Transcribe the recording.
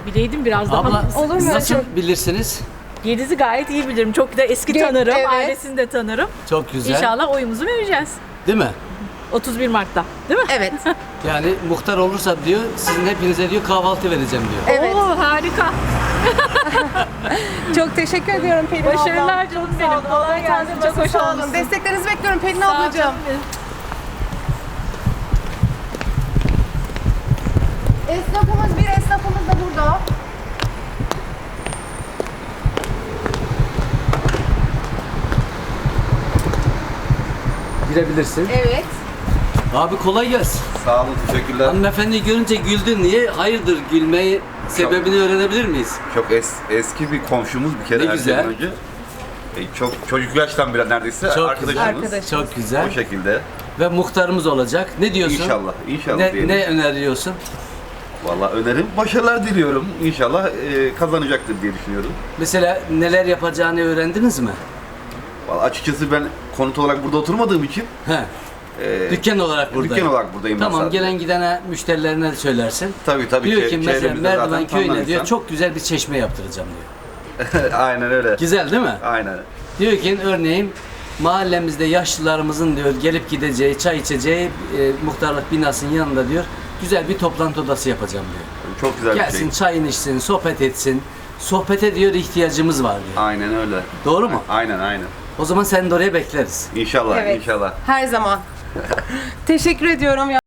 bileydim biraz daha. Abla Olur mu? nasıl bilirsiniz? Yeliz'i gayet iyi bilirim. Çok da eski tanırım. Evet. Ailesini de tanırım. Çok güzel. İnşallah oyumuzu vereceğiz. Değil mi? 31 Mart'ta. Değil mi? Evet. Yani muhtar olursa diyor sizin hepinize diyor kahvaltı vereceğim diyor. Evet. Oo, harika. Çok teşekkür ediyorum Pelin abla. Başarılar canım Sağ olun. benim. Kolay gelsin. Çok hoş Sağ olun. olmuşsun. Desteklerinizi bekliyorum Pelin Sağ ol ablacığım. canım. Esnafımız bir esnafımız da burada. Girebilirsin. Evet. Abi kolay gelsin. Sağ olun, teşekkürler. Hanımefendi görünce güldün. Niye? Hayırdır gülmeyi sebebini öğrenebilir miyiz? Çok eski bir komşumuz bir kere Ne her güzel. şeyden önce. Çok çocuk yaştan bile neredeyse Çok arkadaşımız. Arkadaş. Çok güzel. O şekilde. Ve muhtarımız olacak. Ne diyorsun? İnşallah, inşallah Ne, diyelim. ne öneriyorsun? Vallahi önerim, başarılar diliyorum. İnşallah kazanacaktır diye düşünüyorum. Mesela neler yapacağını öğrendiniz mi? Vallahi açıkçası ben konut olarak burada oturmadığım için He. Dükkan olarak buradayım. dükkan olarak buradayım ben Tamam, sadece. gelen gidene müşterilerine söylersin. Tabii Diyor ki mesela çevremizde Merdiven zaten köyüne tanınan diyor insan. çok güzel bir çeşme yaptıracağım diyor. Aynen öyle. Güzel değil mi? Aynen. Diyor ki örneğin mahallemizde yaşlılarımızın diyor gelip gideceği, çay içeceği muhtarlık binasının yanında diyor güzel bir toplantı odası yapacağım diyor. Çok güzel bir Gelsin şey. çayını içsin, sohbet etsin. Sohbete diyor ihtiyacımız var diyor. Aynen öyle. Doğru mu? Aynen. O zaman seni de oraya bekleriz. İnşallah, Evet. inşallah. Her zaman. Teşekkür ediyorum.